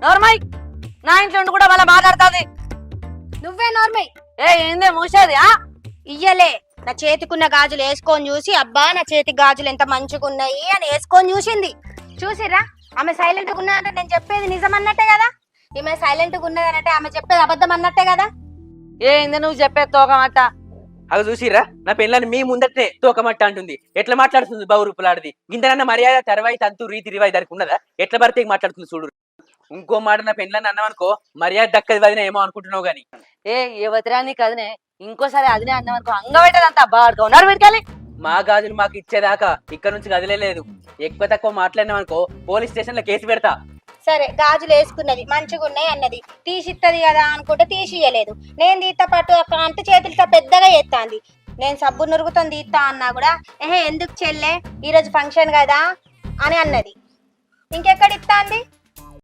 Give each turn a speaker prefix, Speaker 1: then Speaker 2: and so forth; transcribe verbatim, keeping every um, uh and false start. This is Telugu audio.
Speaker 1: నోర్మై నా ఇంట్లో ఉండి కూడా వాళ్ళ మాట్లాడుతుంది.
Speaker 2: నువ్వే నోర్మై.
Speaker 1: ఏ ఏందే మూసేది? ఆ
Speaker 2: ఇయ్యలే నా చేతికున్న గాజులు వేసుకొని చూసి అబ్బా నా చేతి గాజులు ఎంత మంచిగా ఉన్నాయి అని వేసుకొని చూసింది. చూసిరా ఆమె సైలెంట్ గా ఉన్నదంటే నేను చెప్పేది నిజం అన్నట్టే కదా. ఈమె సైలెంట్ గా ఉన్నదనంటే ఆమె చెప్పేది అబద్ధం అన్నట్టే కదా.
Speaker 1: ఏంది నువ్వు చెప్పేది తోకమాట?
Speaker 3: అవి చూసిరా నా పెళ్ళని మీ ముందటనే తోకమట్ట అంటుంది. ఎట్లా మాట్లాడుతుంది బావు రూపులాడిది. ఇంతనన్న మర్యాద తెరవాయి తంతు రీతి రివాయి దానికి ఉన్నదా? ఎట్లా పడితే మాట్లాడుతుంది చూడు. ఇంకో మాట నా పెళ్ళని అన్నామనుకో మర్యాద దక్కది వదిన ఏమో అనుకుంటున్నావు గాని.
Speaker 1: ఏ యువతిరా నీకు అదినే ఇంకోసారి అదినే అన్నామనుకో అంగబెట్టదంతా బాగా ఉన్నారు పెట్టుకోవాలి.
Speaker 3: మా గాజులు మాకు ఇచ్చేదాకా ఇక్కడ నుంచి కదిలేదు. ఎక్కువ తక్కువ మాట్లాడినామనుకో పోలీస్ స్టేషన్ లో కేసు పెడతా.
Speaker 2: సరే గాజులు వేసుకున్నది మంచిగా ఉన్నాయి అన్నది తీసిత్తది కదా అనుకుంటే తీసియలేదు. నేను తీత పట్టు అంటే చేతులతో పెద్దగా ఎత్తాంది. నేను సబ్బు నురుగుతో తీస్తా అన్నా కూడా ఏహే ఎందుకు చెల్లె ఈరోజు ఫంక్షన్ కదా అని అన్నది. ఇంకెక్కడ ఇస్తాంది?